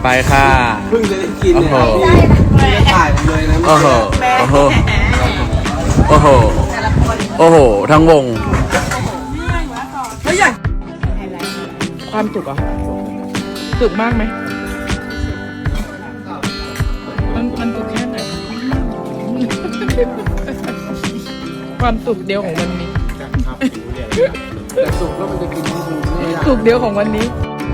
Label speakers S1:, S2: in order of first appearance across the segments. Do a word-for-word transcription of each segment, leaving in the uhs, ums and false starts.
S1: ไปค่ะ
S2: เพิ่งจะได้กินเนี่ยครับ
S1: โอ้
S2: พี่จะถ่ายผมเลยนะ
S1: โอ้โห โอ้โห โอ้โห โอ้โห ทั้งวง
S3: แล้วอย่างความจุกอ่ะจุกมากไหมมันมันจุกแค่ไหน ความจุกเดียวของวันนี้
S2: แต่สุกแล้วมันจะกินทั้งคืนไม่ได้
S3: จุกเดียวของวันนี้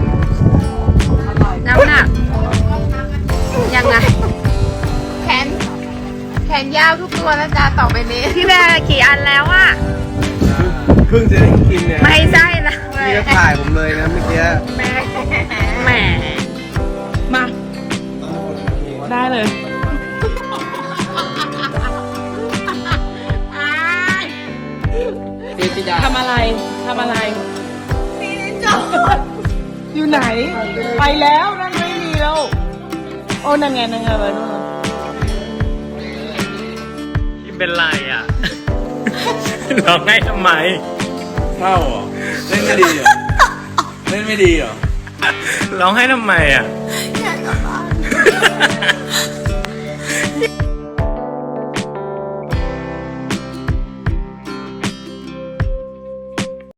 S4: น้ำหนักยังไงแขนแขนยาวทุกตัวแล้วจ้าต่อไปนี้พี่แบร์กี่อันแล้วอะ
S2: เพิ่งจะได้กินเนี่ย
S4: ไม่ใช่นะ
S2: พี่ก็ถ่ายผมเลยนะเมื่อกี้
S4: แหม
S3: มา ได้เลย
S2: เจจิดา
S3: ทำอะไรทำอะไรอยู่ไหน ไปแล้วนั่นไม่มีแล้ว โอ้นั่นไงนั่นไงไปนู่นน่ะ
S5: พี่เป็นไรอ่ะ ร้องไห้ทำไม
S1: เข้าเหรอ เล่นไม่ดีเหรอ เล่นไม่ดีเหรอ
S5: ร้องไห้ทำไมอ่ะ